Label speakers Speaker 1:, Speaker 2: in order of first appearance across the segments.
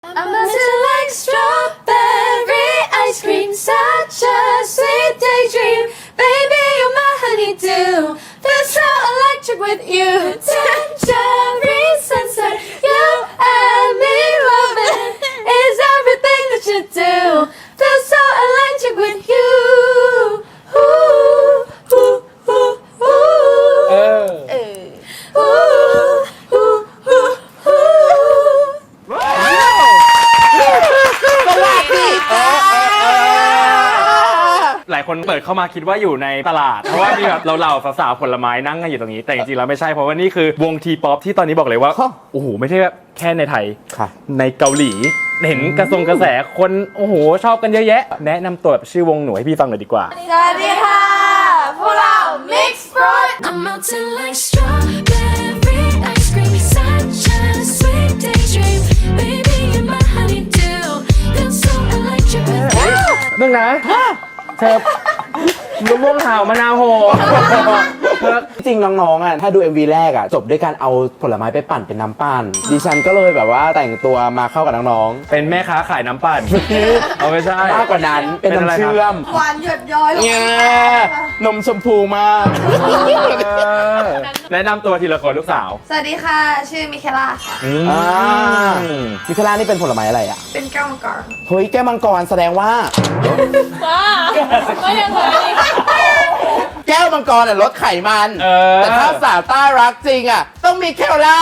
Speaker 1: I'm melting like strawberry ice cream, such a sweet daydream. Baby, you're my honeydew. Feel so electric with you. Tangerine sunset, you and me loving is everything that you do. Feel so electric with you. Ooh, ooh, ooh, ooh. Ooh, ooh, ooh, ooh.
Speaker 2: หลายคนเปิดเข้ามาคิดว่าอยู่ในตลาดเพราะว่ามีแบบเราๆสาวๆผลไม้นั่งกันอยู่ตรงนี้แต่จริงๆแล้วไม่ใช่เพราะว่านี่คือวงทีป๊อปที่ตอนนี้บอกเลยว่าโอ้โหไม่ใช่แค่ในไทยในเกาหลีเห็นกระแสคนโอ้โหชอบกันเยอะแยะแนะนำตัวชื่อวงหนูให้พี่ฟังหน่อยดีกว่า
Speaker 1: สวัสดีค่ะพวกเรา Mix Fruit I'm melting like strawberry ice cream such a sweet daydream baby you're my honeydew feel so electric with you
Speaker 2: มึงนะเธอมะม่วงหาวมะนาวโห
Speaker 3: จริงน้องๆอ่ะถ้าดู MV แรกอ่ะจบด้วยการเอาผลไม้ไปปั่นเป็นน้ำปั่นดิฉันก็เลยแบบว่าแต่งตัวมาเข้ากับน้องๆ
Speaker 2: เป็นแม่ค้าขายน้ำปั่นเอาไม่ใช่
Speaker 3: มากกว่านั้นเป็นน้ำเชื่อม
Speaker 1: หวานหยดย้อย
Speaker 3: เนี่ยนมชมพูมาก
Speaker 2: แนะนำตัวทีละคนลูกสาว
Speaker 1: สวัสดีค่ะชื่อมิเคล่าค่ะ
Speaker 3: มิคลานี่เป็นผลไม้อะไรอ่ะ
Speaker 1: เป็นแก้วมังกร
Speaker 3: เฮ้ยแก้วมังกรแสดงว่า
Speaker 1: ไม่ยังไง
Speaker 3: แก้วมังกรลดไขมันแต่ถ้าสาวต้ารักจริงอ่ะต้องมีเคลล่า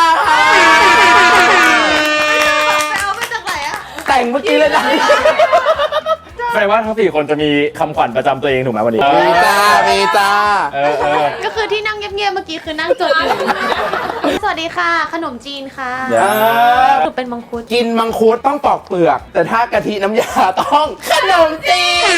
Speaker 1: ไปเอามาจากไหนอะ
Speaker 3: แต่งเมื่อกี้เลยนะ
Speaker 2: แปลว่าทั้ง4คนจะมีคำขวัญประจำตัวเองถูกไหมวันนี้
Speaker 3: มีจ้า
Speaker 4: ก็คือที่นั่งเงียบๆเมื่อกี้คือนั่งจดอยู่สวัสดีค่ะขนมจีนค่ะหนูเป็นมังคุด
Speaker 3: กินมังคุดต้องปอกเปลือกแต่ถ้ากะทิน้ำยาต้องขนมจีน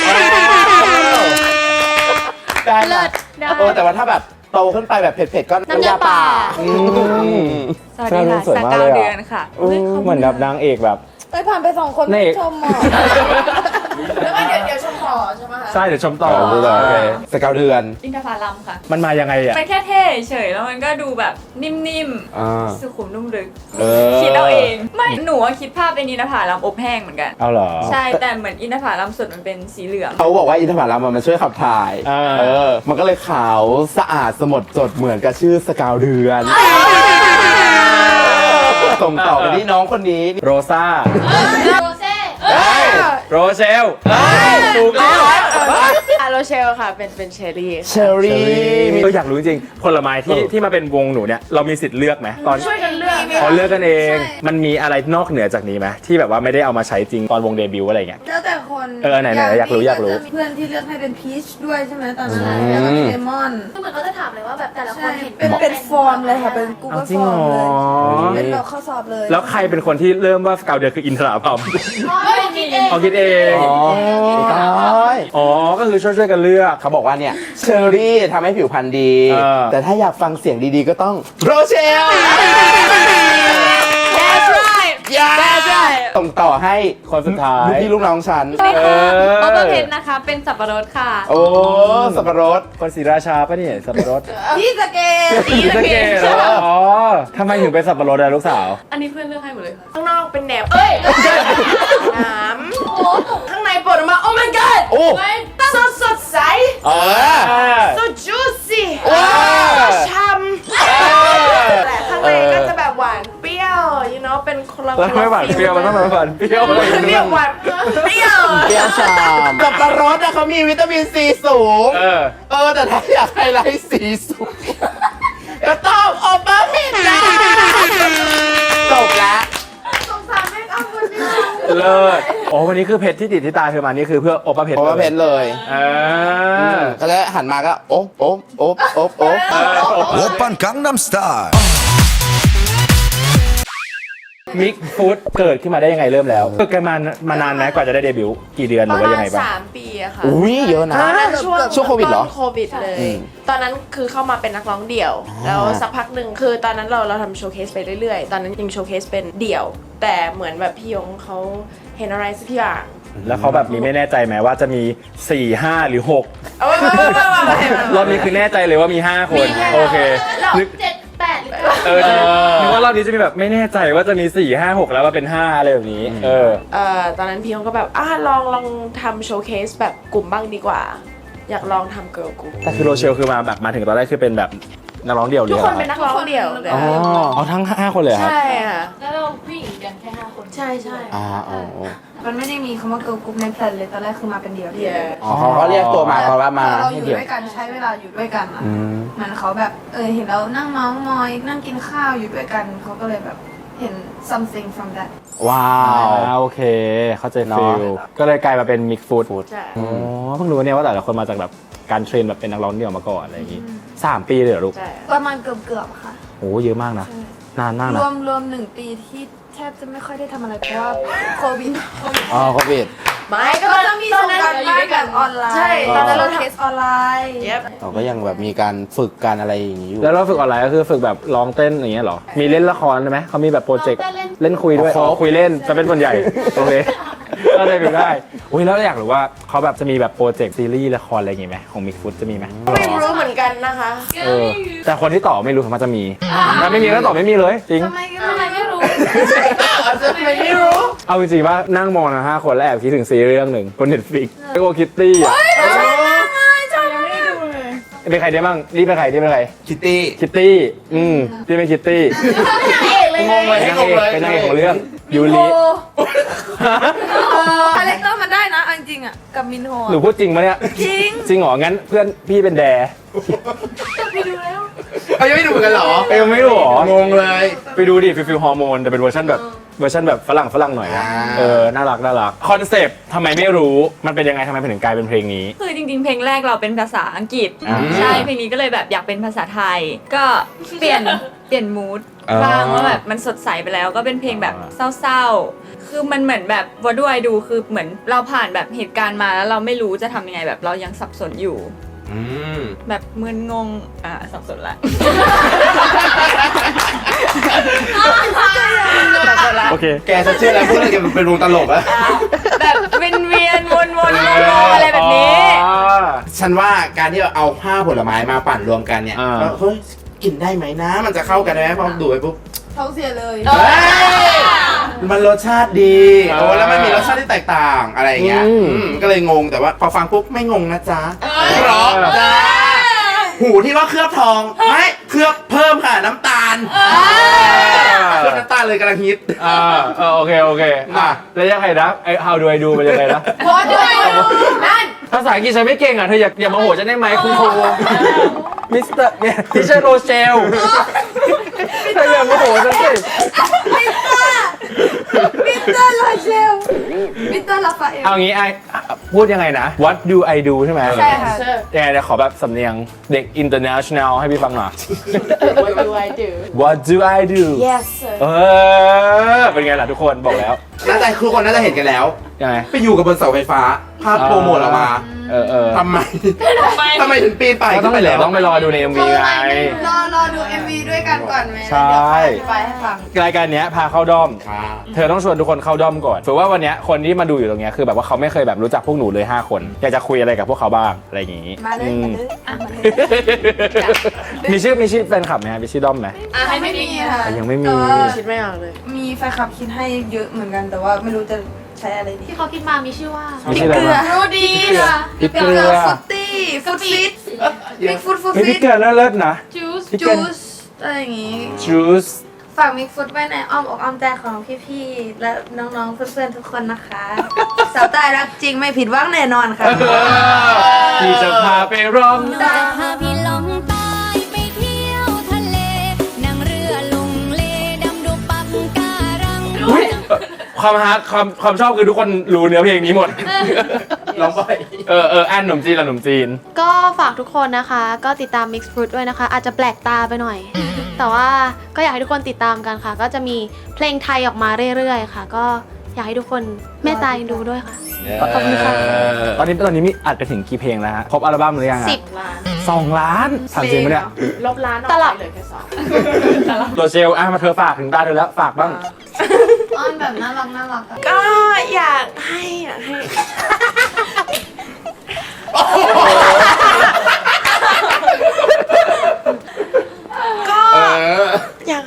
Speaker 3: ได้แต่ว่าถ้าแบบโตขึ้นไปแบบเผ็ดๆก็น้ำยาป่า
Speaker 4: สวัสดีค่ะสัก9 เดือนค่ะ
Speaker 2: เหมือนแบบนางเอกแบบ
Speaker 1: ผ่านไป2 คนชมหมอแล้วก็เดี๋ยวชมต่อใช่ไหมคะ
Speaker 2: ใช่เดี๋ยวชมต่อ
Speaker 3: สัก9 เดือน
Speaker 4: อินทผลัมค่ะ
Speaker 2: มันมายังไงอ่ะ
Speaker 4: มันแค่เท่เฉยแล้วมันก็ดูแบบนิ่มๆสุขุมนุ่มลึกคิดเอาเองไม่หนูคิดภาพเป็นอินทผลัมอบแห้งเหมือนกัน
Speaker 2: เอาเหรอ
Speaker 4: ใช่แต่เหมือนอินทผลัมสดมันเป็นสีเหลือง
Speaker 3: เขาบอกว่าอินทผลัมมันช่วยขับถ่ายมันก็เลยขาวสะอาดสดเหมือนกับชื่อสกาวเดือนส่งต่อไปที่น้องคนนี้
Speaker 2: โรซ่า
Speaker 1: โรเซ่
Speaker 2: โรเชลถูกแล้ว
Speaker 4: โรเชลค่ะเป็นเชอร์รี่
Speaker 2: อยากรู้จริงผลไม้ที่มาเป็นวงหนูเนี่ยเรามีสิทธิ์เลือกไหมตอน
Speaker 1: ช่วยกันเลือก
Speaker 2: เลือกกันเองมันมีอะไรนอกเหนือจากนี้ไหมที่แบบว่าไม่ได้เอามาใช้จริงตอนวงเดบิวต์อะไรเงี้ย
Speaker 1: แล้วแต่คน
Speaker 2: ไหนอยากรู้
Speaker 1: เพื่อนที่เลือกให้เป็นพีชด้วยใช่ไหมตอนนั้นแล้วก็เลมอน
Speaker 4: เหมือนเขาจะถามเลยว่าแบบแต่ละคนเห็น
Speaker 1: เป็นฟอร์มเลยค่ะเป็นกูเกิลฟอร์มเลยเป็นแบบข้อสอบเลย
Speaker 2: แล้วใครเป็นคนที่เริ่มว่าสกาวเดือนคืออินทราพัมคิดเองอ๋อก็คือช่วยกันเลือก
Speaker 3: เขาบอกว่าเนี่ยเชอร์รี่ทำให้ผิวพรรณดีแต่ถ้าอยากฟังเสียงดีๆก็ต้องโรเชลส่งต่อให้
Speaker 2: คนสุดท้าย
Speaker 3: พี่ลูกน้องฉัน
Speaker 4: โอเปอร์เพนนะคะเป็นสับปะรดค่ะ
Speaker 3: โอ้สับปะรด
Speaker 2: คนศรีราชาป่ะเนี่ยสับปะรด
Speaker 1: พี่สเก
Speaker 2: เหรออ๋อทำไมถึงเป็นสับปะรดอะลูกสาว
Speaker 4: อันนี้เพื่อนเลือกให้หมดเลย
Speaker 1: ข้างนอกเป็นแหนบน้ำข้างในปวดออกมาโอ้ my god
Speaker 3: โอ้
Speaker 1: สดใสso juicy ช่ำแต่ข้างในก็จะแบบหวานเปรี้ยว you know เป็นคนละ
Speaker 2: ไม่หวานเปรี้ยวมันต้องหวานเปรี้ยว
Speaker 1: หวานเปรี้ยว
Speaker 3: ชามสับปะรดอะเขามีวิตามินซีสูงแต่ถ้าอยากไฮไลท์สีสูงก็ต้องโอเปอร์เพนจ้าจบแล้ว
Speaker 1: สงสารแม่เอาคนเดียว
Speaker 2: เลิศโอ้วันนี้คือเพชรที่ติดที่ตาเธอมานี่คือเพื่อโอปะเพชร
Speaker 3: เลยก็เลยหันมาก็โอ
Speaker 5: ปันกังนัมสไตล์
Speaker 2: มิกฟู้ดเกิดขึ้นมาได้ยังไงเริ่มแล้วเกิดกันมานานไหมกว่าจะได้เดบิวต์กี่เดือนหรือว่ายังไงบ้าง
Speaker 4: 3 ปีอะค่ะ
Speaker 3: อุ้ยเยอะนะช่วงโควิดเหรอ
Speaker 4: โควิดเลยตอนนั้นคือเข้ามาเป็นนักร้องเดี่ยวแล้วสักพักหนึ่งคือตอนนั้นเราทำโชว์เคสไปเรื่อยๆตอนนั้นยังโชว์เคสเป็นเดี่ยวแต่เหมือนแบบพี่ยงเขาเห็นอะไรสักอย่าง
Speaker 2: แล้วเขาแบบมีไม่แน่ใจไหมว่าจะมี4 5หรือ6รอบนี้คือแน่ใจเลยว่ามี5 คนโอเค
Speaker 1: 7 8หรือ
Speaker 2: นึกว่ารอบนี้จะมีแบบไม่แน่ใจว่าจะมี4 5 6แล้วว่าเป็น5อะไรแบบนี้
Speaker 4: ตอนนั้นพี่ยงก็แบบลองทำโชว์เคสแบบกลุ่มบ้างดีกว่า อยากลองทำเกิร์ลกลุ่ม
Speaker 2: แต่คือโรเชลคือมาถึงตอนแรกคือเป็นแบบนักร้องเดี่ยวเลย
Speaker 4: ทุกคนเป็นนักร้องเดี่ยวเลย
Speaker 2: เอาทั้ง5คนเลยครับ
Speaker 4: ใช่ค่ะ
Speaker 1: แล้วเราผู้หญิงกันแค่5 คน
Speaker 4: ใช่ใช่
Speaker 5: มันไม่ได้มีคำว่าเกิร์ลกรุ๊ปในแพลนเลยตอนแรกคือมาเป็นเดี่ยว
Speaker 3: เขาก็เรียกตัวมาเพราะว่ามา
Speaker 5: เราอ
Speaker 3: ให้
Speaker 5: ยู่
Speaker 3: เดียว
Speaker 5: ด้วยกันใช้เวลาอยู่ด้วยกันอะเหมือนเขาแบบเห็นเรานั่งเมาส์มอยนั่งกินข้าวอยู่ด้วยกันเขาก็เลยแบบเห็น something from that
Speaker 3: ว้าว
Speaker 2: โอเค เข้าใจฟิลก็เลยกลายมาเป็นมิกฟูด
Speaker 4: ใช่
Speaker 2: อ๋อเพิ่งรู้เนี่ยว่าแต่ละคนมาจากแบบการเทรนแบบเป็นนักร้องเดี่ยวมาก่อนอะไรอย่างงี้3 ปีเลยเหรอลูก
Speaker 4: ใช่
Speaker 5: ประมาณเกือบๆค่ะ
Speaker 2: โอ้เยอะมากนะนานมาก
Speaker 5: ร
Speaker 2: นะ
Speaker 5: วม1 ปีที่แทบจะไม่ค่อยได้ทำอะไรเพราะว่าโควิด
Speaker 3: อ๋อโควิด
Speaker 4: ไม่ก็
Speaker 5: ก็ต้องมีส่งการบ้านแบบออนไลน์
Speaker 4: ใช่ตอนนั้นเรา
Speaker 5: เคสออนไลน์
Speaker 4: เย็บ
Speaker 3: เราก็ยังแบบมีการฝึกการอะไรอย่างนี้อยู่
Speaker 2: แล้วเราฝึกออนไลน์ก็คือฝึกแบบร้องเต้นอย่างเงี้ยเหรอมีเล่นละครไหมเขามีแบบโปรเจกต์เล่นคุยด้วย
Speaker 3: ครบ
Speaker 2: คุยเล่นจะเป็นส่วนใหญ่โอเคก็ได้ไปได้อุ้ยแล้วอยากรู้ว่าเขาแบบจะมีแบบโปรเจกต์ซีรีส์ละครอะไรอย่างงี้ไหมของมิกฟูดจะมีไหม
Speaker 4: ไม่รู้เหมือนกันนะคะ
Speaker 2: แต่คนที่ตอบไม่รู้มันจะมีถ้าไม่มีก็ตอบไม่มีเลยจริง
Speaker 5: ทำไมไม่รู้
Speaker 3: ไม่รู้
Speaker 2: เอาจริงๆว่านั่งมองนะ5 คนแล้วแอบคิดถึงซีรีส์เรื่องหนึ่งบนเน็ตฟลิกไอโอคิตตี้อ่ะเป็นใครได้บ้างนี่เป็นใครนี่เป็นใคร
Speaker 3: คิตตี้
Speaker 2: คิตตี้ที่เป็นคิตตี้งงเลยเป็นนางเอกของเรื่องยูริ
Speaker 5: คาแรคเตอร์มันได้นะเอาจริงๆอ่ะกับมินโฮ
Speaker 2: หนูพูดจริงปะเนี่ย
Speaker 5: จริง
Speaker 2: จริงเหรองั้นเพื่อนพี่เป็นแด
Speaker 3: เขายังไม่ดูกันเหรอ
Speaker 2: เอ้ยไม่รู้เหรอง
Speaker 3: งเลย
Speaker 2: ไปดูดิฟิลฮอร์โมนแต่เป็นเวอร์ชันแบบฝรั่งหน่อยนะน่ารักคอนเซปต์ทำไมไม่รู้มันเป็นยังไงทำไมถึงกลายเป็นเพลงนี้
Speaker 6: คือจริงๆ เพลงแรกเราเป็นภาษาอังกฤษ ใช่ เพลงนี้ก็เลยแบบอยากเป็นภาษาไทย ก็เปลี่ยนมูดบ้างว่าแบบมันสดใสไปแล้วก็เป็นเพลงแบบเศร้าๆ คือมันเหมือนแบบว่าด้วยดูคือเหมือนเราผ่านแบบเหตุการณ์มาแล้วเราไม่รู้จะทำยังไงแบบเรายังสับสนอยู่ แบบมึนงงสับสนละ
Speaker 2: โอเค
Speaker 3: แกจะเชื่อแล้วพวกเราแกเป็นวงตลกอะ
Speaker 6: แบบเวียนวนงงอะไรแบบนี้
Speaker 3: ฉันว่าการที่เอา5 ผลไม้มาปั่นรวมกันเนี่ยเฮ้ยกินได้ไหมนะ มันจะเข้ากันไหมพอดูไปปุ๊บ
Speaker 5: ท้องเสียเลย
Speaker 3: มันรสชาติดีแล้วมันมีรสชาติที่แตกต่างอะไรอย่างเงี้ยก็เลยงงแต่ว่าพอฟังปุ๊บไม่งงนะจ๊ะเพราะจ้าหูที่ว่าเคลือบทองไม่เคลือบเพิ่มค่ะน้ำตาลเคลือบน้ำตาลเลยกำลังฮิต
Speaker 2: โอเคแล้วยังไงนะไอ้ how do I do มันยังไงนะ
Speaker 5: พอด้วยนั่น
Speaker 2: ภาษาอังกฤษฉันไม่เก่งอ่ะเธออย่ามาโหฉันได้ไหมคุณครูมิสเตอร์เนี่ยทิเชอร์โรเชลเธออย่ามาโหฉันสิ
Speaker 5: มิสเตอร์ลาเชลมิสเตอร์ลาฟาเอล
Speaker 2: เอางี้ไอ้พูดยังไงนะ What do I do ใช่ไหม
Speaker 5: ใช่ค่ะ
Speaker 2: ยังไงเดี๋ยวขอแบบสำเนียงเด็ก international ให้พี่ฟังหน่อย
Speaker 4: What do I do
Speaker 2: What do I do
Speaker 4: Yes sir
Speaker 2: เป็นไงล่ะทุกคนบอกแล้ว
Speaker 3: น่าจะทุกคนน่าจะเห็นกันแล้ว
Speaker 2: ยังไง
Speaker 3: ไปอยู่กับบนเสาไฟฟ้า ภาพโปรโมทออกมาทำไมถึงปีนไป
Speaker 2: ก็ต้องไป
Speaker 3: แล้ว
Speaker 2: ต้องไปรอดูใน MV ไง
Speaker 5: รอดู MV ด้วยกันก่อนไหม
Speaker 2: ใช่
Speaker 5: เดี๋ยวไปให้ฟัง
Speaker 2: รายการเนี้ยพาเข้าด้อม เธอต้องชวนทุกคนเข้าด้อมก่อนถือว่าวันเนี้ยคนที่มาดูอยู่ตรงเนี้ยคือแบบว่าเขาไม่เคยแบบรู้จักพวกหนูเลย5 คนอยากจะคุยอะไรกับพวกเขาบ้างอะไรอย่างงี้
Speaker 5: มาเลย
Speaker 2: อื
Speaker 5: มาเลยอ่ะมาเลย
Speaker 2: มีชื่อแฟนคลับไหมมีชื่อด้อมไหม
Speaker 5: ให้ไม่มีค่ะ
Speaker 2: ยังไม่มี
Speaker 5: แต่ว่า
Speaker 4: คิดไม่ออกเลย
Speaker 5: มีแฟนคลับคิดให้เยอะเหมือนกันแต่ว่าไม่รู้จะใช้อะไรดี
Speaker 1: ที่เขาคิดมามีชื่อว่า
Speaker 2: มีชื่ออะไรบ้าง
Speaker 5: รู้ดีค่ะ
Speaker 2: พริกเกลือ
Speaker 5: ฟุตตี้ฟุตฟิตมิกฟุต
Speaker 2: มีพริ
Speaker 5: ฟิ
Speaker 2: ก
Speaker 5: ต
Speaker 2: เกลือเลิศๆนะ
Speaker 1: Juice
Speaker 2: พริกเกลื
Speaker 5: จู
Speaker 2: อ
Speaker 5: สอะไรอย่างงี้
Speaker 2: จูส
Speaker 5: ฝากมิกฟุตไว้ในอ้อมอกอ้อมใจของพี่ๆและน้องๆเพื่อนๆทุกคนนะคะสาวใต้รักจริงไม่ผิดหวังแน่นอนค่ะ
Speaker 2: พี่จะพาไปร้อง
Speaker 7: จะพาพี่ลงใต้ไปเที่ยวทะเล นั่งเรือลงเลดำดูปักการัง
Speaker 2: อุ๊ยความฮาร์ดความชอบคือทุกคนรู้เนื้อเพลงนี้หมด
Speaker 3: ร้องไป
Speaker 2: อันหนุ่มจีนละหนุ่มจีน
Speaker 1: ก็ฝากทุกคนนะคะ ก็ติดตาม Mix Fruit ด้วยนะคะ อาจจะแปลกตาไปหน่อย แต่ว่าก็อยากให้ทุกคนติดตามกันค่ะ ก็จะมีเพลงไทยออกมาเรื่อยๆค่ะ ก็อยากให้ทุกคนเมตตาดูด้วยค่ะ ขอบคุณค่ะ
Speaker 2: ตอนนี้มีอัดไปถึงกี่เพลงแล้วฮะครบอัลบั้มหรือยังอะ
Speaker 1: 10
Speaker 4: ล้าน
Speaker 2: 2 ล้านถามจริงปะเนี่ย
Speaker 4: ลบล้านออก
Speaker 1: ตลับ
Speaker 4: ไปเหลือแค่2
Speaker 2: โรเชลมาเธอฝากถึงตาเธอแล้วฝากบ้าง
Speaker 5: อ้อนแบบน่ารักน่ารักอะ
Speaker 4: ก็อยากให้ ก็อยาก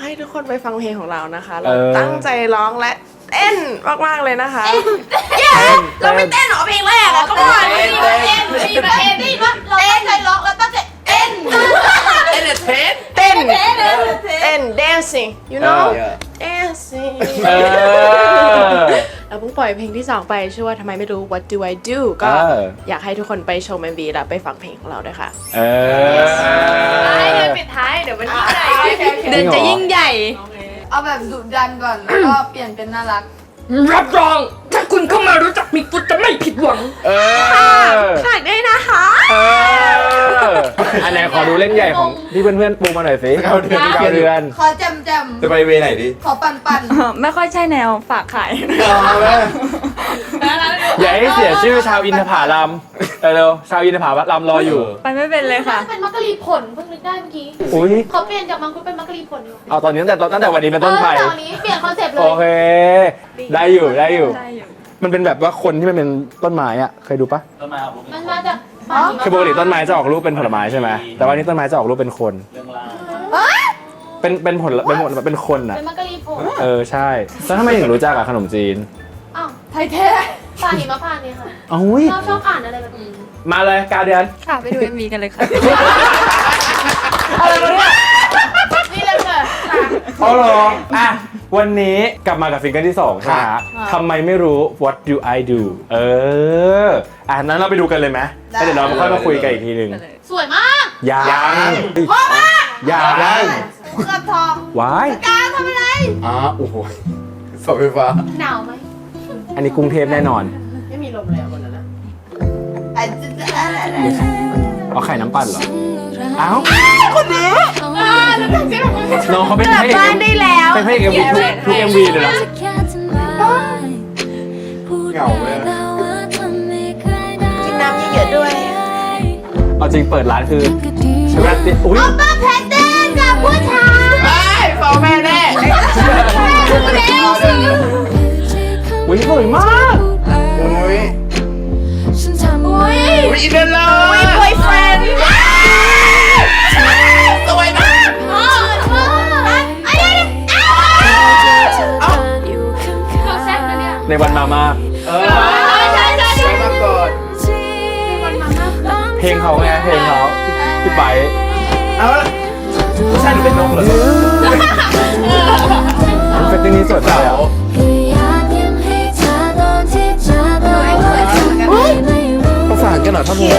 Speaker 4: คนไปฟังเพลงของเรานะคะ เราตั้งใจร้องและเต้นมากๆเลยนะคะเราไม่เต้นหรอเพลงแรกอะก็มาเต้นเราตั้งใจร้องแล้วตั้งใจเต้น dancing you know dancing เราเพิ่งปล่อยเพลงที่ 2 ไปชื่อว่าทำไมไม่รู้ What Do I Do ก็อยากให้ทุกคนไปชม MV แล้วไปฟังเพลงของเราด้วยค่ะเดือนปิดท้ายเดี๋ยวมันยิ่งใหญ่เดือนจะยิ่งใหญ่
Speaker 5: เอาแบบดุดันก่อนแล้วก็เปลี่ยนเป็นน่ารัก
Speaker 1: รับรองถ้าคุณเข้ามารู้จักมิกฟุตจะไม่ผิดหวัง
Speaker 4: ฝากด้วยนะคะ
Speaker 2: อันไหนขอดูเล่นใหญ่ของที่เพื่อนๆปูมาหน่อยสิ9 เดือน
Speaker 5: ขอแจม
Speaker 3: จะไปเวไหนดิ
Speaker 5: ขอปั่น
Speaker 6: ไม่ค่อยใช่แนวฝากขาย
Speaker 2: อย่าให้เสียชื่อชาวอินทผลัมเร็วชาวอินทผลัมรออยู่
Speaker 6: ไปไม่เป็นเลยค่ะ
Speaker 1: เป็นมักกะลีผลเพิ่งนึกได้เมื่อกี้
Speaker 2: อุ้ย
Speaker 1: เขาเปลี่ยนจากมังคุดเป็นมักกะลีผลอยู่
Speaker 2: เอาตอนนี้ตั้งแต่วันนี้เป็นต้นไป
Speaker 1: ตอนนี้เปลี่ยนคอนเซปต์เล
Speaker 2: โอย เค ได้อยู่มันเป็นแบบว่าคนที่มันเป็นต้นไม้อะเคยดูปะ
Speaker 1: มันมาจาก
Speaker 2: คือปกติต้นไม้จะออกรูปเป็นผลไม้ใช่ไหมแต่ว่านี่ต้นไม้จะออกรูปเป็นคนเป็นผลเป็นคนอะ
Speaker 1: เป็นมักกะลีผล
Speaker 2: ใช่แล้วทำไมถึงรู้จักอะขนมจีน
Speaker 1: อ้าว
Speaker 5: ๆไทยแท้
Speaker 1: ปลาหิมะพานต์เนี่ยค่ะ
Speaker 2: อุ้ย
Speaker 1: ชอบอ่านอะไรแบบนี้
Speaker 2: มาเลย9 เดือน
Speaker 6: ค่ะไปดู MV กันเลยค่ะ
Speaker 1: นี่เลยค่ะ
Speaker 2: เอาหรออ่ะวันนี้กลับมากับซิงเกิลที่2ใช่ไหมฮะทำไมไม่รู้ What Do I Do นั้นเราไปดูกันเลยไหมแล้วเดี๋ยวเราค่อยมาคุยกันอีกทีหนึ่ง
Speaker 1: สวยมาก
Speaker 2: ยังยัง
Speaker 5: เคลือบทอง
Speaker 2: ว้าย
Speaker 5: การทำอะไร
Speaker 3: โอ้โหเสาไฟฟ้า
Speaker 1: หนาวไหม
Speaker 2: อันนี้กรุงเทพแน่นอน
Speaker 4: ไม่มีลมเลยอ่ะวันนั้นนะ
Speaker 2: เอาไข่น้ำปั่นเหรออ้าวน้องเขาเป็นพระเอก
Speaker 4: บ้านได้แล้ว
Speaker 2: เป็นพระเอกเอ็มวีทุก MV เลยนะ
Speaker 3: เหงาเลย
Speaker 4: กินน้ำเยอะๆด้วย
Speaker 2: เอาจริงเปิดร้านคือใช่ไหมอุ้ย
Speaker 1: ป้าแพทเต้นกับผู้ชาย
Speaker 3: ฟ้องแม่แน่
Speaker 2: อุ้ยสวยมาก
Speaker 3: อุ้ย
Speaker 1: อุ้ย
Speaker 3: อุ้ยอินเดนเลย
Speaker 4: boyfriend
Speaker 3: สวยมาก
Speaker 1: เราแซ่บนะเนี่ย
Speaker 2: ในวันมามาก
Speaker 1: ใช่
Speaker 3: ไปมาก่อน
Speaker 2: เพลงเขาไงเพลงเขาพี่ไป
Speaker 3: เอาละผู้ชายหนูเป็นนกเหรอ
Speaker 2: เฟตติ้งนี้สวยจังเลยอ่ะประสานกันหน่อยท่านผู้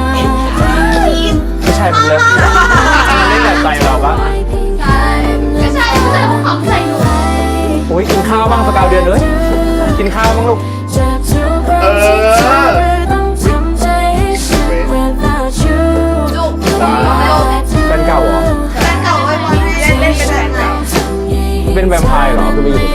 Speaker 2: ไม่ใช่ผมเลยเล่นแบบใจเราปะ
Speaker 1: ไม่ใช่ของเขาใส่หนู
Speaker 2: โอ้ยกินข้าวบ้างสกาวเดือนเลยกินข้าวบ้างลูก แฟนเก่าเหรอ
Speaker 5: เก่าไว้บอลเล่นไปได้ไง
Speaker 2: เป็นแวมไพร์เหรอคือไปอยู่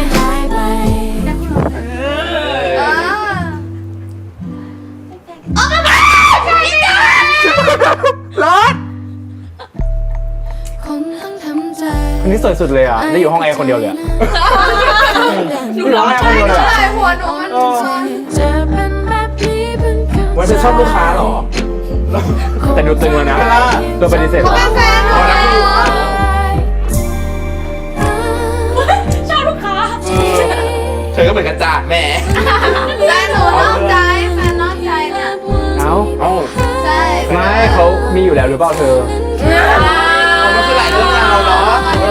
Speaker 2: คนนี้สวยสุดเลยอ่ะได้อยู่ห้องแอร์คนเดียวเลยอ่ะอยู่ห้องแอร์คนเดียวเลยอะ
Speaker 5: ใช่หัวหนูมันซ้อน
Speaker 2: วันจะชอบลูกค้าเหรอ แต่ดูตึงแล้วนะตัวปฏิเสธเหรอ
Speaker 5: เป็นแฟนหนูเหรอ
Speaker 1: ชอบลูกค้า
Speaker 3: เธอก็เหมือนกระจาดแม่
Speaker 5: แฟนหนูนอกใจแฟนนอกใจเนี่ย
Speaker 2: เอ้า
Speaker 5: ใช่
Speaker 2: ไม่เขามีอยู่แล้วหรือเปล่าเธอ
Speaker 3: มันคือหลายเรื่องราวเนาะ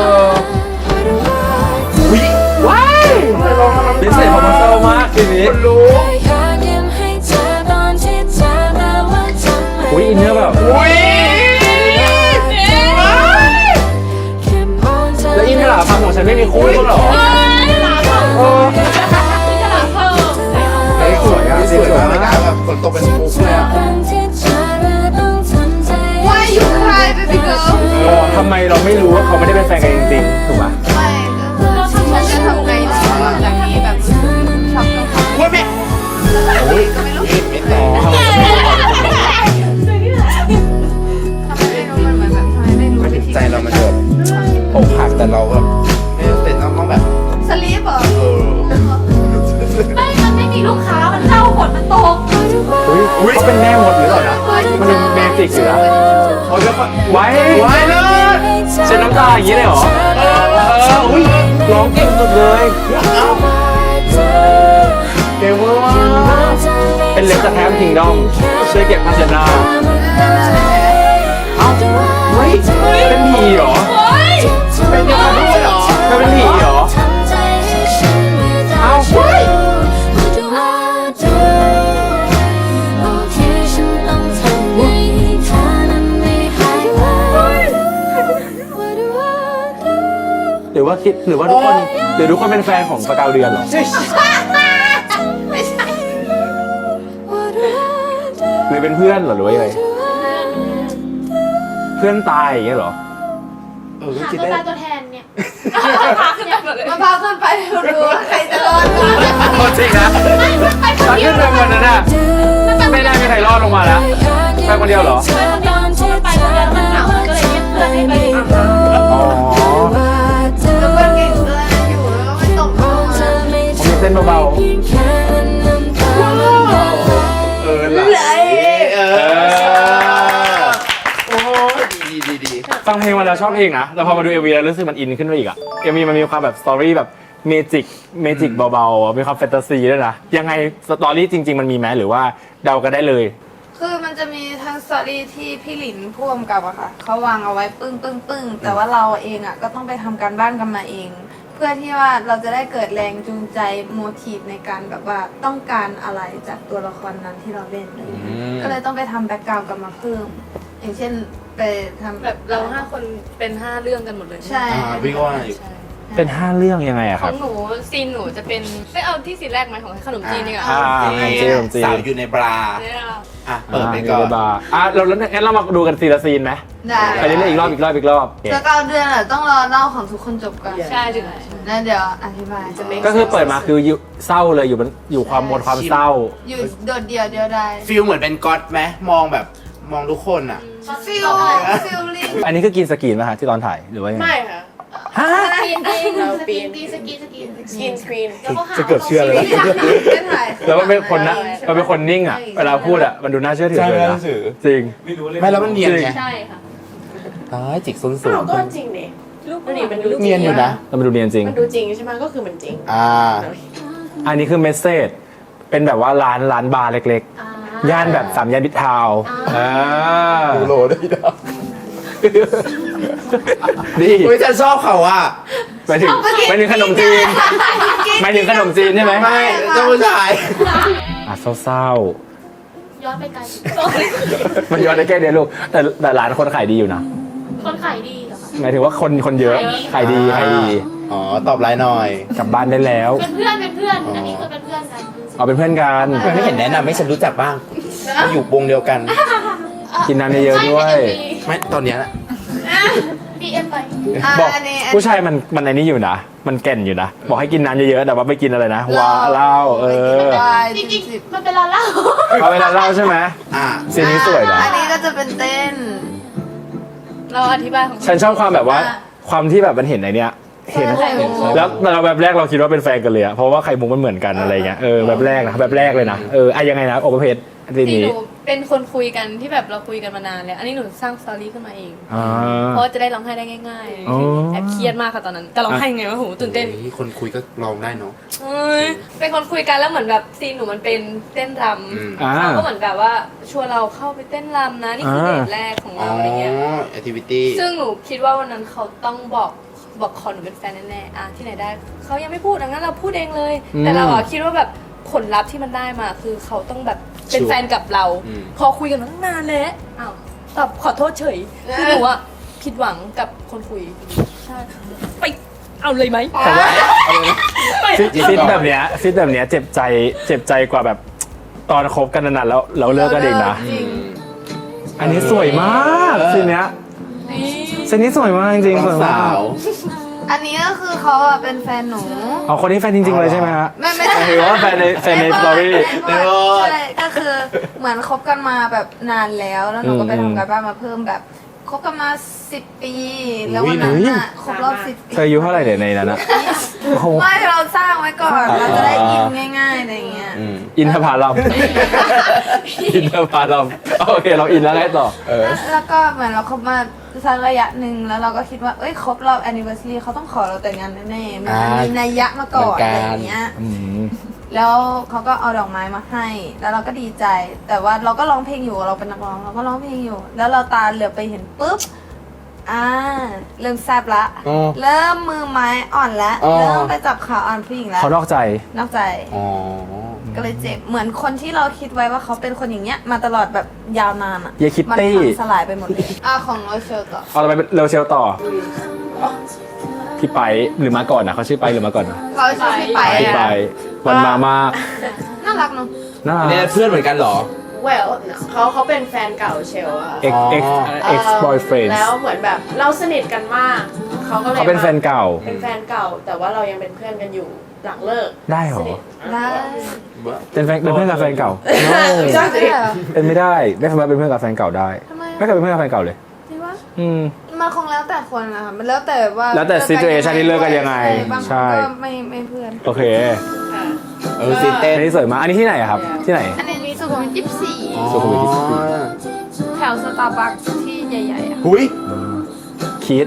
Speaker 2: ว้ายพิเศษของมันเศร้ามากทีนี้
Speaker 3: รู้
Speaker 2: อุ้ยอินเนอร์แบบ
Speaker 3: อุ้ย
Speaker 2: แล้วอินทลาพังของฉันไม่มีคู่ก็หรอเฮ้ยสวยอ่ะ
Speaker 3: สวยมากเลยนะแบบฝนตกเป็นมุกเลยอ่ะ
Speaker 5: Why you cry baby girl
Speaker 2: ทำไมเราไม่รู้ว่าเขาไม่ได้เป็นแฟนกันจริงๆถูกป่ะ
Speaker 5: ไม่ก็ฉันจะทำไงดีหลังจากนี้แบบช็อกต้องทำ
Speaker 3: อุ้ยแม่
Speaker 5: ก็ไม่รู้
Speaker 3: ไม่แต่
Speaker 2: ทำไมไม่รู้
Speaker 5: มันเหมือนแบบทำไมไม่รู้วิธี
Speaker 3: ใจเรามันแบบอกหักแต่เราแบบไม่เสร็จต้องแบบ
Speaker 5: สลีปเหรอ
Speaker 1: ไม่มันไม่มีลูกค้า มันเศร้าฝนมันตก
Speaker 2: อุ้ยเขาเป็นแม่มดหรือเปล่านะมันเป็นเมจิกอยู่นะ
Speaker 3: เขาจะ
Speaker 2: ไว้
Speaker 3: ไว้เลย
Speaker 2: เช็ดน้ำตาอย่างนี้เลยเหรอ
Speaker 3: อุ้ย
Speaker 2: ร้องเก่งสุดเลย
Speaker 3: เอ้า
Speaker 2: เก่งมากเป็นเล็บจากแคมป์คิงดอมช่วยเก็บภาชนะเอ้าเฮ้ยเป็นผีเหรอ
Speaker 3: เป็นยังไงด้วยเหรอ
Speaker 2: ไม่เป็นผีเหรอ เอ้า หรือว่าคิดหรือว่าทุกคนเป็นแฟนของสกาวเดือนเหรอ หรือเป็นเพื่อนเหรอหรือว่ายังไงเพื่อนตายอย่างเงี้ยเหรอ
Speaker 3: ก็คิด
Speaker 1: ตัว
Speaker 3: ได้
Speaker 1: ตายตัวแทนเนี่ย
Speaker 5: มาพาขึ้นไปดูว่าใครจะรอดก่อน
Speaker 2: จริงนะตอนขึ้นไปวันนั้นน่ะไม่ได้มีใครรอดลงมาแล้วไปคนเดียวเหรอ
Speaker 1: ไปคนเดียวมันเหงาก็เลยเรียกเพื่อนให้ไป
Speaker 2: อ๋อ
Speaker 5: แล้วก็เก่งด้วยอยู่แล้วก็ไม่ตกลงมา
Speaker 2: ผมมีเต้นเบา
Speaker 3: ไหลโอ้ดี
Speaker 2: ๆฟังเพลงมาแล้วชอบเพลงนะแต่พอมาดู MV แล้วรู้สึกมันอินขึ้นไปอีกอะ MV มันมีความแบบสตอรี่แบบเมจิกเบาๆมีความแฟนตาซีด้วยนะยังไงสตอรี่จริง ๆมันมีไหมหรือว่าเดากันได้เลย
Speaker 5: คือมันจะมีทั้งสตอรี่ที่พี่หลินพ่วงกับอะค่ะเขาวางเอาไว้ปึ้งแต่ว่าเราเองอะก็ต้องไปทำการบ้านกันมาเอง เพื่อที่ว่าเราจะได้เกิดแรงจูงใจโมทีฟในการแบบว่าต้องการอะไรจากตัวละครนั้นที่เราเล่นอะไรอย่างเงี้ยก็เลยต้องไปทำแบ็กกราวด์กันมาเพิ่ม อย่างเช่นไปทำ
Speaker 8: แบบเรา5 คนเป็น 5 เรื่องกันหมดเลย
Speaker 5: ใช่
Speaker 3: พี่ก็ว่าอยู่
Speaker 2: เป็น 5 เรื่องยังไงอะ
Speaker 8: ข
Speaker 2: ครั
Speaker 8: อบ งหนูซีนหนูจะเป็นไม่เอาที่ซีนแรกไหมของขนมจีนดีกว่า
Speaker 3: สาวอยู่ในบรา
Speaker 8: เนี่ย
Speaker 3: อ่ะเปิดไปก่อน
Speaker 2: บาร์เราแล้วงั้นเรามาดูกันซีละซีนไหม
Speaker 5: ได้
Speaker 2: อันนี้เล่นอีกรอบ
Speaker 5: แล้วก็เดือนอะต้องรอเล่าของทุกคนจบก่อน
Speaker 8: ใช่ถึง
Speaker 5: แล้วเดี๋ยวอธิบาย
Speaker 8: จะไม่
Speaker 2: ก็คือเปิดมาคือเศร้าเลยอยู่ความหมดความเศร้า
Speaker 5: อยู่โดดเดี่ยวเดียวได้
Speaker 3: ฟิลเหมือนเป็นก๊อตไหมมองแบบมองทุกคนอ่ะ
Speaker 5: ฟิลลิ่ง
Speaker 2: อันนี้คือกินสกรีนไหมคะที่ตอนถ่ายหรือว่ายังไง
Speaker 4: ไม่ค่ะ
Speaker 2: ฮะ
Speaker 4: เราปีน
Speaker 1: สกี
Speaker 4: สกินสกรีน
Speaker 1: แล้วก็หา
Speaker 2: จะเกือบเชื่อเลยนะ
Speaker 5: ไม่ถ่าย
Speaker 2: แล้วมันเป็นคนนะมันเป็นคนนิ่งอ่ะเวลาพูดอ่ะมันดูน่าเชื่อถือเลยนะจริง
Speaker 3: ไม่แล้วมันเนียนไง
Speaker 8: ใช่ค่ะ
Speaker 3: ตายจิกส้นสู
Speaker 4: อ้าง วก็จริงเนี่ยมันดู
Speaker 3: เนียนอยู่นะ
Speaker 2: แล้วมันดูเนียนจริง
Speaker 4: มันดูจริงใช่ไหมก็คือมันจริง
Speaker 2: อันนี้คือเมสเซจเป็นแบบว่าร้านบาร์เล็กๆย่านแบบ3 ย่านมิตรทาวน์
Speaker 3: โลได้ดอก
Speaker 2: ดี
Speaker 3: อุ้ยฉันชอบเขาอ่ะ
Speaker 2: ไปถึงขนมจีนหมายถึงขนมจีนใช่ไหม
Speaker 3: ไม่เจ้าผู้ชาย
Speaker 2: อ่ะเศร้า
Speaker 1: ย้อนไปไกล
Speaker 2: ๆมันย้อนได้แค่เดียวลูกแต่ร้านคนขายดีอยู่นะ
Speaker 1: คนขายดีเหรอคะ
Speaker 2: หมายถึงว่าคนเยอะขายดี
Speaker 3: อ๋อตอบไลน์หน่อย
Speaker 2: กลับบ้านได้แล้ว
Speaker 1: เป็นเพื่อนอันนี้คือเป็นเพื่อนกัน
Speaker 2: เอาเป็นเพื่อนกัน
Speaker 3: ไม่เห็นแนะนำให้ฉันรู้จักบ้าง อยู่วงเดียวกัน
Speaker 2: กินน้ำเยอะๆด้วย
Speaker 3: ไม่ตอนเนี้ยนะ
Speaker 1: ดีเอ็มไป
Speaker 2: บอก
Speaker 5: อันนี้
Speaker 2: ผู้ชายมันในนี้อยู่นะมันแก่นอยู่นะบอกให้กินน้ำเยอะๆแต่ว่าไม่กินอะไรนะว้าเหล้า
Speaker 5: วาย
Speaker 1: จริงๆมันเป็นร้านเหล้า
Speaker 2: เอาเวลาเหล้าใช่ไหม
Speaker 3: อ่ะ
Speaker 2: ซีนนี้สวยนะ
Speaker 5: อันนี้ก็จะเป็นเต้น
Speaker 8: เราอธิบายของ
Speaker 2: ฉันชอบความแบบว่าความที่แบบมันเห็นไอเนี้ยเห็นแล้วเราแบบแรกเราคิดว่าเป็นแฟนกันเลยอะเพราะว่าไข่มุกมันเหมือนกันอะไรเงี้ยแบบแรกนะแบบแรกเลยนะยังไงนะโอเปอร์เพจที
Speaker 8: ที่
Speaker 2: นี้
Speaker 8: หนูเป็นคนคุยกันที่แบบเราคุยกันมานานแล้วอันนี้หนูสร้างสตอรี่ขึ้นมาเอง
Speaker 2: อ่า
Speaker 8: เพราะว่าจะได้ร้องไห้ได้ง่าย
Speaker 2: อ๋อ
Speaker 8: ๆแอบเครียดมากค่ะตอนนั้นแต่ร้องไห้ไงวะโหตื่นเต้น
Speaker 3: ฮ้ยคนคุยก็ลองได้เนาะ
Speaker 8: เอ้ยเป็นคนคุยกันแล้วเหมือนแบบซีนหนูมันเป็นเต้นร
Speaker 3: อืม
Speaker 8: ำเขาก็เหมือนแบบว่าชวนเราเข้าไปเต้นรำนะนี่คือเดทแรกของ
Speaker 3: อ๋อ
Speaker 8: เราอะไรเงี้ย
Speaker 3: แอคทิวิตี้
Speaker 8: ซึ่งหนูคิดว่าวันนั้นเขาต้องบอกคอหนูเป็นแฟนแน่ๆอ่ะที่ไหนได้เขายังไม่พูดดังนั้นเราพูดเองเลย แต่เราอะคิดว่าแบบผลลัพธ์ที่มันได้มาคือเขาต้องแบบเป็นแฟนกับเรา พอคุยกันมาตั้งนานแล้วอ้าวตอบขอโทษเฉยคือหนูอะผิดหวังกับคนคุยใช่ไปเอาเลยไหม
Speaker 2: แต่ว่าฟิตแบบเนี้ยเจ็บใจกว่าแบบตอนคบกันนานๆแล้วเราเลิกกันเองนะอันนี้สวยมากซีนเนี้ยซีนนี้สวยมากจริงๆสวยมาก
Speaker 5: อันนี้ก็คือเขาอะเป็นแฟนหนู
Speaker 2: เอาคนที่แฟนจริงๆเลยใช่ไหมฮะ
Speaker 5: ไม่ใช่
Speaker 2: หรือว่าแฟนในสตอรี่
Speaker 5: ใช่ก็คือเหมือนคบกันมาแบบนานแล้วหนูก็ไปทำการบ้านมาเพิ่มแบบคบกันมา10 ปี แล้ววันนั้นน่ะครบรอบ10 ปี
Speaker 2: เธออายุเท่าไหร่เนี่ยในนั้นอะโอ้โห
Speaker 5: ไม่เราสร้างไว้ก่อน เราจะได้อินง่ายๆอะไรอย่างเงี้ย
Speaker 2: อินทผลัมอินทผลัมโอเคเราอินแล้วไงต่อ
Speaker 5: แล้วก็เหมือนเราคบมาสักระยะหนึ่งแล้วเราก็คิดว่าเอ้ยครบรอบ anniversary เขาต้องขอเราแต่งงานแน่ๆมันมีนัยยะมาก่อนอะไรอย่างเงี้ย แล้วเขาก็เอาดอกไม้มาให้ แล้วเราก็ดีใจ แต่ว่าเราก็ร้องเพลงอยู่ เราเป็นนักร้อง เราก็ร้องเพลงอยู่ แล้วเราตาเหลือบไปเห็นปุ๊บ เริ่มแซบละ เริ่มมือไม้อ่อนละเริ่มไปจับขาอ่อนผู้หญิงแล้ว
Speaker 2: เขานอกใจ
Speaker 5: นอกใจ ก็เลยเจ็บ เหมือนคนที่เราคิดไว้ว่าเขาเป็นคนอย่างเงี้ย มาตลอดแบบยาวนานอ่ะ
Speaker 2: เยคิต
Speaker 5: มัน
Speaker 2: ตี้
Speaker 5: พังสลายไปหมดเลยของโรเชลต่อ
Speaker 2: เอาเราไปเร็วเชลต่อ พี่ไปหรือมาก่อนนะเขาชื่อไปหรือมาก่อนนะ
Speaker 5: เขาชื่อพี่ไป
Speaker 2: พี่ไปวันมามาก
Speaker 5: น่ารักเนาะ
Speaker 2: น่า
Speaker 3: เนี่ยเพื่อนเหมือนกันเหรอ
Speaker 4: well เขาเป็นแฟนเก่าเชลอะ
Speaker 2: ex boyfriend
Speaker 4: แล้วเหมือนแบบเราสนิทกันมาก เขาก็เลย
Speaker 2: เขาเป็นแฟนเก่า
Speaker 4: เป็นแฟนเก่า แต่ว่าเรายังเป็นเพื่อนกันอยู่หลังเลิก
Speaker 2: ได้เหรอ
Speaker 4: สนิท
Speaker 5: ได้
Speaker 2: เป็นเพื่อนกับแฟนเก่า
Speaker 5: ใช่เหรอ
Speaker 2: เป็นไม่ได้ไม่สามารถเป็นเพื่อนกับแฟนเก่าได้
Speaker 5: ทำไม
Speaker 2: ไม่เคยเป็นเพื่อนกับแฟนเก่าเลย
Speaker 5: จริงวะ
Speaker 2: อืม
Speaker 5: มันคงแล้วแต่คนนะคะมันแล้วแต่ว่า
Speaker 2: แล้วแต่ situation ที่เลิกกันยังไง
Speaker 5: บางค
Speaker 2: ใช่
Speaker 5: นก็ไม่เพื่อน
Speaker 2: โอเค
Speaker 3: ตื่นเต้น
Speaker 2: อันนี้สวยมากอันนี้ที่ไหนอะครับ ที่ไหน
Speaker 5: อันนี้สุขุมวิท24
Speaker 2: สุขุมวิท24
Speaker 5: แถวสตาร์บัคที่ใหญ่ๆอะ
Speaker 3: หุย
Speaker 2: คิด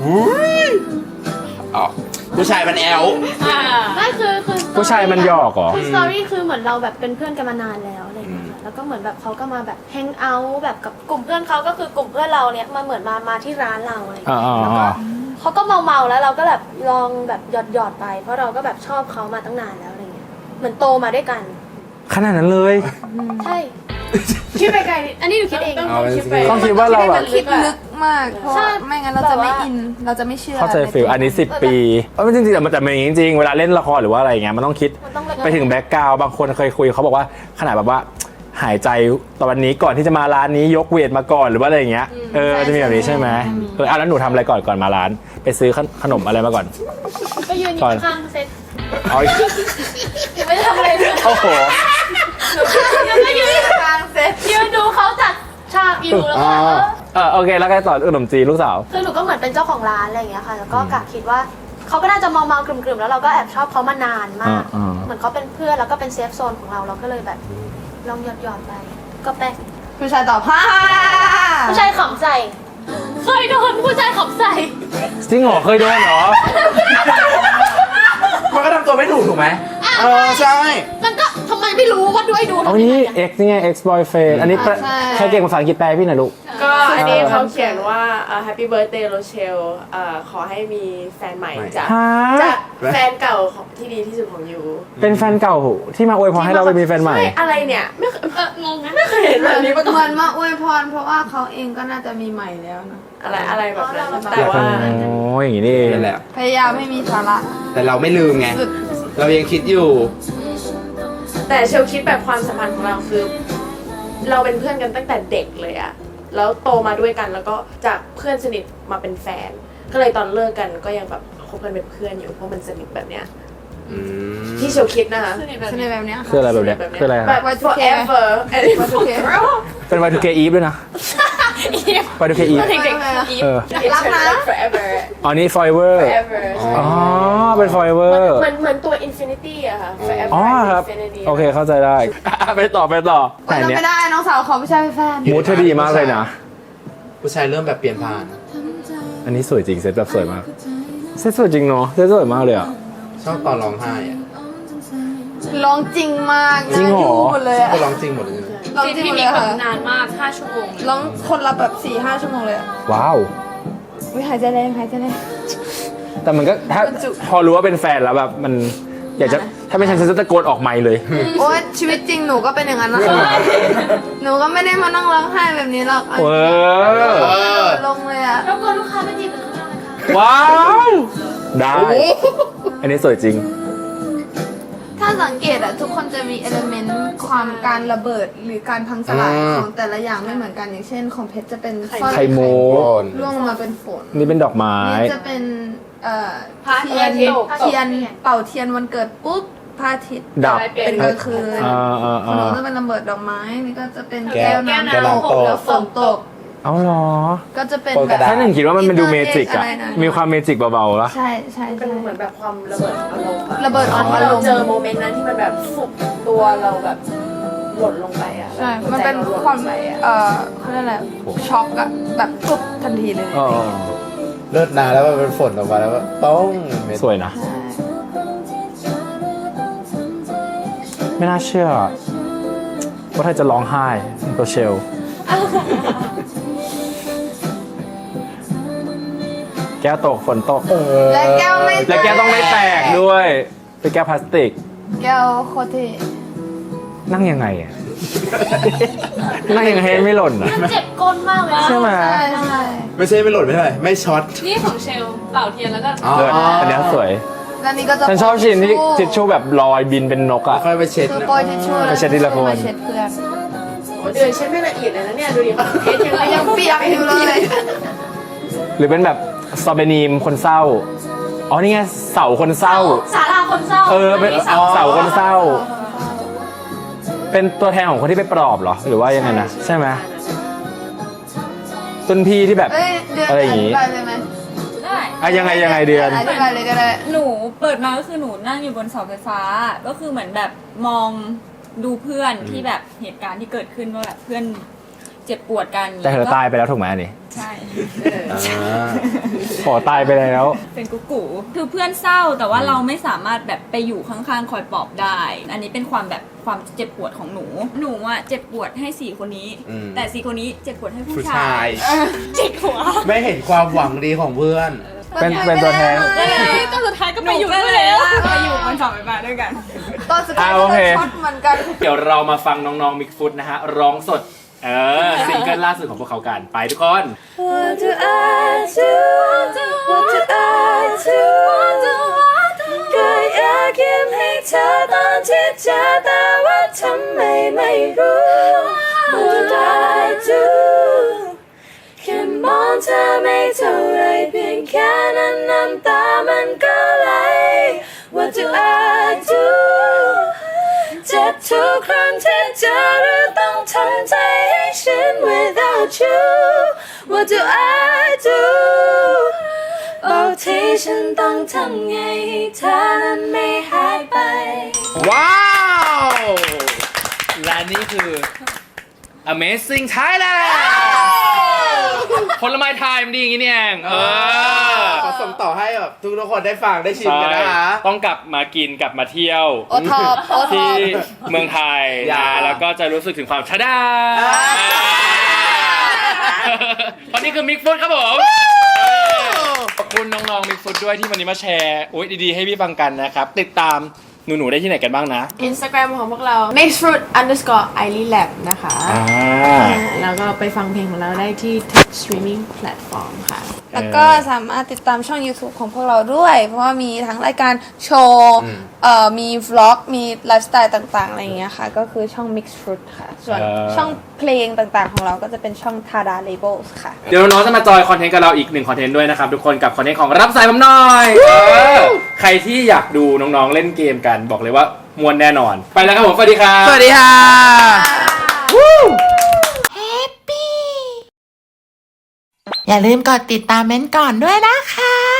Speaker 3: อ๋อผู้ชายมันแอล
Speaker 1: ไม่คือ
Speaker 2: ผู้ชายมันหยอกเหรอ
Speaker 1: คือสตอรี่คือเหมือนเราแบบเป็นเพื่อนกันมานานแล้วอะไรอย่างเงี้ยค่ะแล้วก็เหมือนแบบเขาก็มาแบบแฮงเอาท์แบบกับกลุ่มเพื่อนเขาก็คือกลุ่มเพื่อนเราเนี่ยมาเหมือนมาที่ร้านเราอะไรอย่างเงี้ย
Speaker 2: อ่า
Speaker 1: แล้วก็เขาก็เมาแล้วเราก็แบบลองแบบหยอดไป เพราะเราก็แบบชอบเขามาตั้งนานแล้วอะไรเงี้ยเหมือนโตมาด้วยกัน
Speaker 2: ขนาดนั้นเลย
Speaker 1: ใช่คิดไปไกลนิดอันนี้หนูคิดเอง
Speaker 3: เอาไปสิ
Speaker 2: ต้องคิดว่าเราแบบ
Speaker 5: คิดลึกมากเพราะ
Speaker 1: ใช่
Speaker 5: ไม่งั้นเราจะไม่อินเราจะไม่เชื่อ
Speaker 2: เข้าใจฟิลอันนี้10 ปีจริงๆแต่มันจะเป็นอย่างนี้จริงๆเวลาเล่นละครหรือว่าอะไรอย่างเงี้ยมันต้องคิด
Speaker 1: มันต้อง
Speaker 2: ไปถึงแบ็กกราวด์บางคนเคยคุยเขาบอกว่าขนาดแบบว่าหายใจตอนนี้ก่อนที่จะมาร้านนี้ยกเวทมาก่อนหรือว่าอะไรอย่างเงี้ยจะมีแบบนี้ใช่ไหมแล้วหนูทำอะไรก่อนมาร้าน ไปซื้อขนมอะไรมาก่อน
Speaker 1: ก็ยืนอยู่ข้างเซ็ต
Speaker 2: เอาอีก
Speaker 1: ไม่ได้ทำอะไรเลย
Speaker 2: โอ้โห
Speaker 1: แล้วก็ยืนกลางเซ็ตยืนดูเขาจัดฉากอยู่แล้วก็
Speaker 2: โอเคแล้วก็ต่อขนมจีนลูกสาว
Speaker 1: คือหนูก็เหมือนเป็นเจ้าของร้านอะไรอย่างเงี้ยค่ะแล้วก็กะคิดว่าเขาก็น่าจะเมากลุ่มๆแล้วเราก็แอบชอบเขามานานมาก เหมือนเขาเป็นเพื่อนแล้วก็เป็นเซฟโซนของเราเราก็เลยแบบลองหยอดไปก็แป๊ก
Speaker 5: ผู้ชายตอบผ้า
Speaker 1: ผู้ชายขำใส่เคยโดนผู้ชายขำใส่
Speaker 2: จริงเหรอเคยโดนเหรอ
Speaker 3: มันก็ทำตัวไม่ถูกถูกไหมใช่
Speaker 1: มันก็ทำไมไม่รู้ว่าด้วยดู
Speaker 2: เอานี่ X นี่ไง X boyfriend อันนี้ใครเก่งภาษาอังกฤษแปลพี่หน่อยลูก
Speaker 4: ก็อันนี้เขาเขียนว่าHappy Birthday Rochelle ขอให้มีแฟนใหม่จาก
Speaker 2: ฮะ
Speaker 4: จากแฟนเก่าของที่ดีที่สุดของยู
Speaker 2: เป็นแฟนเก่าที่มาอวยพรให้เราไปมีแฟนใหม่
Speaker 4: ใช่อะไรเนี่ยไม่เคย
Speaker 1: งงนะ
Speaker 4: ไม่เคยเห็นแบบนี้มาก่อน
Speaker 5: เหมือนมาอวยพรเพราะว่าเขาเองก็น่าจะมีใหม่แล้วนะ
Speaker 4: อะไรแบบนั้นแต่ว่า
Speaker 2: โอ้ยอย่างนี้นี่เอง
Speaker 3: นั่นแหละ
Speaker 5: พยายามไม่มีสาระ
Speaker 3: แต่เราไม่ลืมไง
Speaker 5: สุด
Speaker 3: เรายังคิดอยู่
Speaker 4: แต่เชลคิดแบบความสัมพันธ์ของเราคือ เราเป็นเพื่อนกันตั้งแต่เด็กเลยอะแล้วโตมาด้วยกันแล้วก็จากเพื่อนสนิทมาเป็นแฟน ก็เลยตอนเลิกกันก็ยังแบบคบกันเป็นเพื่อนอยู่เพราะมันสนิทแบบเนี้ยที่เชลคิดนะคะ
Speaker 5: สนิทแบบเนี้ย
Speaker 2: คืออะไรแบบเนี้ยคืออะไร
Speaker 4: แบ
Speaker 2: ฮะ
Speaker 4: บ forever and forever
Speaker 2: เป็น Y2K Eve ด้วยนะ Y2K Eve
Speaker 1: เด็กๆ
Speaker 2: เออ
Speaker 5: รักนะ
Speaker 4: forever
Speaker 2: อ๋อนี่ Forever
Speaker 4: forever
Speaker 2: อ๋อเป็น Forever
Speaker 4: เหมือนตัว infinity อะค่ะ forever
Speaker 2: อ๋อครับ
Speaker 4: infinity
Speaker 2: โอเคเข้าใจได้ ไปต่อแต่
Speaker 5: เรา
Speaker 2: เนี้ย
Speaker 5: ไม่ได้น้องสาวขอผู้ชายเป็นแฟน
Speaker 2: มูดเธอดีมากเลยนะ
Speaker 3: ผู้ชายเริ่มแบบเปลี่ยนผ่าน
Speaker 2: อันนี้สวยจริงเซตแบบสวยมากเซตสวยจริงเนาะเซตสวยมากเลยอ่ะ
Speaker 3: ชอบตอนร้องไห้อะ
Speaker 5: ร้องจริงมาก
Speaker 2: จริงเหรอ
Speaker 5: หมดเลยอะ
Speaker 3: ก็ร้องจริงหมดเลย
Speaker 5: ร้องจริงหมดเลยค่ะ
Speaker 8: นานมาก 5 ชั่วโมง
Speaker 5: ร้องคนละแบบ 4-5 ชั่วโมงเลยอะ
Speaker 2: ว้าว
Speaker 5: วิหายใจแรงหายใจแรง
Speaker 2: แต่มันก็ถ้าพอรู้ว่าเป็นแฟนแล้วแบบมันอยากจะถ้าไม่ฉันจะตะโกนออกไมค์เลย
Speaker 5: โอ๊ยชีวิตจริงหนูก็เป็นอย่างนั้นนะคะหนูก็ไม่ได้มานั่งร้องไห้แบบนี้หรอก
Speaker 2: เออ
Speaker 5: ลงเลยอะ
Speaker 1: รบกวนลูกค้าไม่จีบกันข้างนอกนะคะ
Speaker 2: ว้าว ได้ อันนี้สวยจริง
Speaker 5: ถ้าสังเกตอะทุกคนจะมีเอลเมนต์ความการระเบิดหรือการพังสลายของแต่ละอย่างไม่เหมือนกันอย่างเช่นของเพชรจะเป็นสร้อย
Speaker 2: ไข่โม
Speaker 5: ร่วงลงมาเป็นฝน
Speaker 2: นี่เป็นดอกไม้
Speaker 5: นี่จะเป็นเทียนเป่าเทียนวันเกิดปุ๊บพระอาทิตย์
Speaker 2: ดับ
Speaker 5: เป็นกลางคืน
Speaker 2: อ่า
Speaker 5: ของหนูจะเป็นระเบิดดอกไม้นี่ก็จะเป็น
Speaker 3: แก้ว
Speaker 5: น้ำ
Speaker 3: แก้วน้ำตก
Speaker 5: แล้วฝนตก
Speaker 2: เอาเหรอ
Speaker 5: ก็จะเป็น
Speaker 3: โปรย
Speaker 5: แบ
Speaker 3: กระ
Speaker 5: บ
Speaker 3: ดาษ
Speaker 2: ถ้าหนึ่งคิดว่ามันเป็นดูเมจิกอะ
Speaker 5: อะไรนะ
Speaker 2: มีความเมจิกเบาๆละ
Speaker 5: ใช่ใช่
Speaker 4: เป็น
Speaker 5: ใช่
Speaker 4: เหมือนแบบความระเบิดอารมณ์อะ
Speaker 5: ระเบิดอารมณ์
Speaker 4: เราเจอโมเมนต์นั้นที่มันแบบฟุบตัวเราแบบหล่นลงไปอะ
Speaker 5: ใช่ มันเป็นความเขาเรียกอะไรช็อกอะแบบปุ๊บทันทีเลย
Speaker 2: อ๋อ
Speaker 3: เลิศนาแล้วมันเป็นฝนออกมาแล้วก็ป้องเม็ด
Speaker 2: สวยนะ
Speaker 5: ใช่
Speaker 2: ไม่น่าเชื่อว่าเธอจะร้องไห้ตัวเชล แก้วตกฝนตก
Speaker 5: และแก้วไม่
Speaker 2: และแก้วต้องไม่แตกด้วยเป็นแก้วพลาสติก
Speaker 5: แก้วโคตรเท่
Speaker 2: นั่งยังไงอะ นั่งยังไงให้ไม่หล่นอะ
Speaker 1: เจ็บก้นมากเลย
Speaker 2: ใช่ไหม
Speaker 5: ใช่ใช่
Speaker 3: ไม่ใช่ไม่หล่นไม่เท่าไหร่ไม่ช็อต
Speaker 8: นี่ของเชลเป่าเทียนแล้วก็
Speaker 3: อ๋อ
Speaker 2: เลิศอันเนี้ยสวย
Speaker 5: แล้วนี่ก็จะ
Speaker 2: ฉันชอบชิ้นที่ทิชชู่แบบลอยบินเป็นนกอะ
Speaker 3: ค่อยไปเช็ด
Speaker 5: คือ
Speaker 3: นะ
Speaker 5: โปรยทิชชู่
Speaker 2: ไปเช็ดทีละคน
Speaker 5: มาเช็ดเพื่อน
Speaker 4: โอ้เดือนเช็ดไม่ละเอียดเลยนะเนี่ยดูดิเพชรยัง
Speaker 5: ยังเปียกอยู่เลย
Speaker 2: หรือเป็นแบบซอเบนีมคนเศร้า อ๋อนี่ไงเสาคนเศร้า
Speaker 1: สาราคนเศร้า
Speaker 2: เออเป็นเสาคนเศร้า เป็นตัวแทนของคนที่ไปปลอบเหรอ หรือว่ายังไงนะใช่ไหมต้นพี่ที่แบบ
Speaker 5: เอ้ยเดือน
Speaker 2: อะไรอย่างงี้
Speaker 5: ธิบายเลยไหม
Speaker 6: ได้
Speaker 2: อะยังไงเดือน
Speaker 5: อธิบายเลยก็ได้
Speaker 6: หนูเปิดมาก็คือหนูนั่งอยู่บนเสาไฟฟ้า ก็คือเหมือนแบบมองดูเพื่อนที่แบบเหตุการณ์ที่เกิดขึ้นว่าแบบเพื่อนเจ็บปวดกัน
Speaker 2: แต่เธอตายไปแล้วถูกไหมอันนี้
Speaker 6: ใช่
Speaker 2: ขอตายไปแล้ว
Speaker 6: เป็นกุ๊กกูคือเพื่อนเศร้าแต่ว่าเราไม่สามารถแบบไปอยู่ข้างๆคอยปลอบได้ อันนี้เป็นความแบบความเจ็บปวดของหนูอ่ะเจ็บปวดให้4คนนี้ แต่4คนนี้เจ็บปวดให้ผู้
Speaker 3: ผู้
Speaker 6: ชา
Speaker 3: ชาย ย
Speaker 6: จิกหัว
Speaker 3: ไม่เห็นความหวังดีของเพื่อน
Speaker 2: เป็นตัวแทน
Speaker 8: ก็สุดท้ายก็
Speaker 6: ห
Speaker 8: ไป
Speaker 6: นู
Speaker 8: อยู่
Speaker 6: ก็
Speaker 8: ด้วย
Speaker 6: เลย
Speaker 8: แล้ว
Speaker 6: ลากมาอยู่บนเสาไฟฟ้าด้วยกัน
Speaker 5: ตอนสุดท้าย
Speaker 2: โอเค
Speaker 5: ก็ช็อตเหมือนกัน
Speaker 2: เดี๋ยวเรามาฟังน้องๆมิกฟุตนะฮะ ร้องสด ซิงเกิลล่าสุดของพวกเขากัน ไปทุกคน
Speaker 1: What do I do What do I do ก็อยากยิ้มให้เธอตอนที่เจอแต่ว่าทำไมไม่รู้ What do I do แค่มองเธอไม่เท่าไรเพียงแค่นั้นน้ำตามันก็ไหล What do I do เจ็บทุกครั้งที่เจอหรือต้องทำใจให้ฉัน without you What do I do บอกที่ฉันต้องทำไงให้เธอนั้นไม่หายไป
Speaker 2: ว้าว และนี่คือ Amazing Thailand ผลไม้ไทยมันดีอย่างนี้นี่เอง
Speaker 3: ขอส่งต่อให้แบบทุกคนได้ฟังได้ชิมกันนะคะ
Speaker 2: ต้องกลับมากินกลับมาเที่ยว
Speaker 5: โอท็อปโอท็อ
Speaker 2: ที่
Speaker 5: ป
Speaker 2: เมืองไทย
Speaker 3: อย่า
Speaker 2: แล้วก็จะรู้สึกถึงความชะดาเพราะนี่คือมิกฟุตครับผม ขอบคุณน้องๆมิกฟุตด้วยที่วันนี้มาแชร์อุ๊ยดีๆให้พี่ฟังกันนะครับ ติดตามหนูๆได้ที่ไหนกันบ้างนะ
Speaker 4: Instagram ของพวกเรา mixfruit_ilylab นะคะ แล้วก็ไปฟังเพลงของเราได้ที่ทุก streaming platform ค่ะ
Speaker 5: แล้วก็สามารถติดตามช่อง YouTube ของพวกเราด้วย เพราะว่ามีทั้งรายการโชว์มีวล็อก มีไลฟ์สไตล์ต่างๆ อะไรอย่างเงี้ยค่ะ ก็คือช่อง Mix Fruit ค่ะ ส่วนช่องเพลงต่างๆของเราก็จะเป็นช่อง Tada Labels ค่ะ
Speaker 2: เดี๋ยวน้องๆจะมาจอยคอนเทนต์กับเราอีก1คอนเทนต์ด้วยนะครับทุกคนกับคอนเทนต์ของรับสายผมหน่อยใครที่อยากดูน้องๆเล่นเกมกันบอกเลยว่ามวนแน่นอน ไปแล้วครับผมสวัสดีครับ
Speaker 3: สวัสดีค่ะ
Speaker 9: อย่าลืมกดติดตามเม้นท์ก่อนด้วยนะคะ